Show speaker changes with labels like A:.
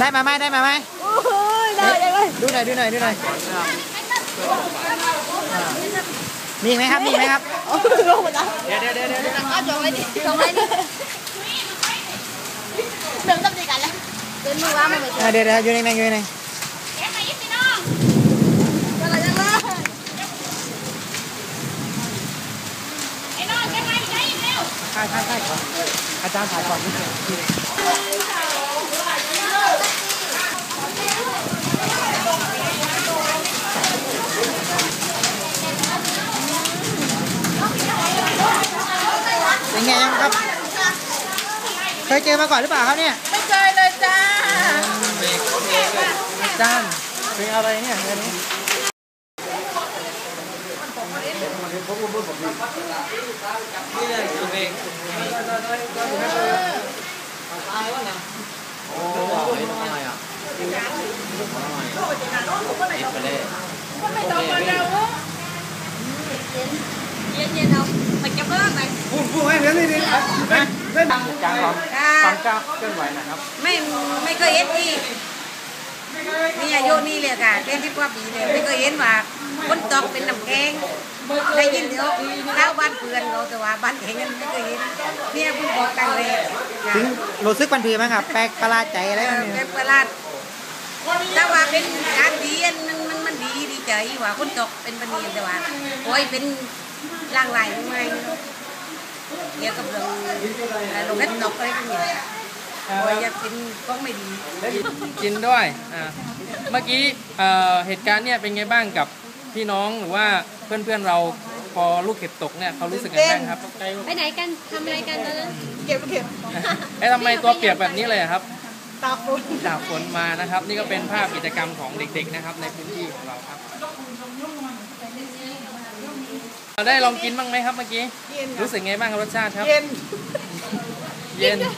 A: ได้มาไหมได้มาไหม
B: โอ้ยได้เลย
A: ดูหน่อยดูหน่อยดูหน่อยมีไหมครับมีไหมครับ
B: ลงหมดแล้ว
A: เดี๋ยว
B: ก็จงไว้ดิจงไว้ดิเดินต้องดีกันแล้วเดินมือว่ามันไป
A: เดี๋ยวอยู่ในอยู่ในใช่ก่อนอาจารย์ถ่ายก่อนเป็นไงยังครับเคยเจอมาก่อนหรือเปล่าครับเนี่ย
B: ไม่เคยเลยจ้า
A: อาจารย์เป็นอะไรเนี่ยอันนี้นี่เลยคือเพลงตายวะเนี่ยโอ้ยทำไมอ่ะเอ็ดไปเลย
B: ไม่ต้องมาเร็วเย็นเอาไปเก็บเรื่องไหน
A: พูดให้เรื่องนี้ดิเล่นการความกล้าเคลื่อนไหวนะครับ
B: ไม่เคยเห็นที่นี่อายุนี่เลยค่ะเล่นที่กว่าปีเลยไม่เคยเห็นว่าคนตอกเป็นน้ำแกงได้ยินเดี๋ยวเท้าบ้านเพื่อนเราแต่ว่าบ้านแข็งกันไม่เคยเห็นเนี่ยเพิ่งบอกกันเลย
A: รู้สึกมันผีมั้งครับแปลกประหลาดใจอะไร
B: แปลกประหลาดถ้าว่าเป็นการดีมันดีใจว่าคนตกเป็นปนีแต่ว่าโอ้ยเป็นร่างไหลไงเกี่ยวกับเรื่องลงเล็ดตกอะไรพวกนี้โอ้ยอยากกินก็ไม่ดี
C: กินด้วยเมื่อกี้เหตุการณ์เนี่ยเป็นไงบ้างกับพี่น้องหรือว่าเพื่อนเราพอลูกเห็บตกเนี่ยเขารู้สึกไงบ้างครับ
D: ไปไหนกันทำอะไรกันตอนนั้น
B: เก็บ
C: ทำไมตัวเปียกแบบนี้เลยครับ
B: ตาก
C: ฝนมานะครับนี่ก็เป็นภาพกิจกรรมของเด็กๆนะครับในพื้นที่ของเราครับได้ลองกินบ้างไหมครับเมื่อกี้รู้สึกไงบ้างครับรสชาติครับเย็น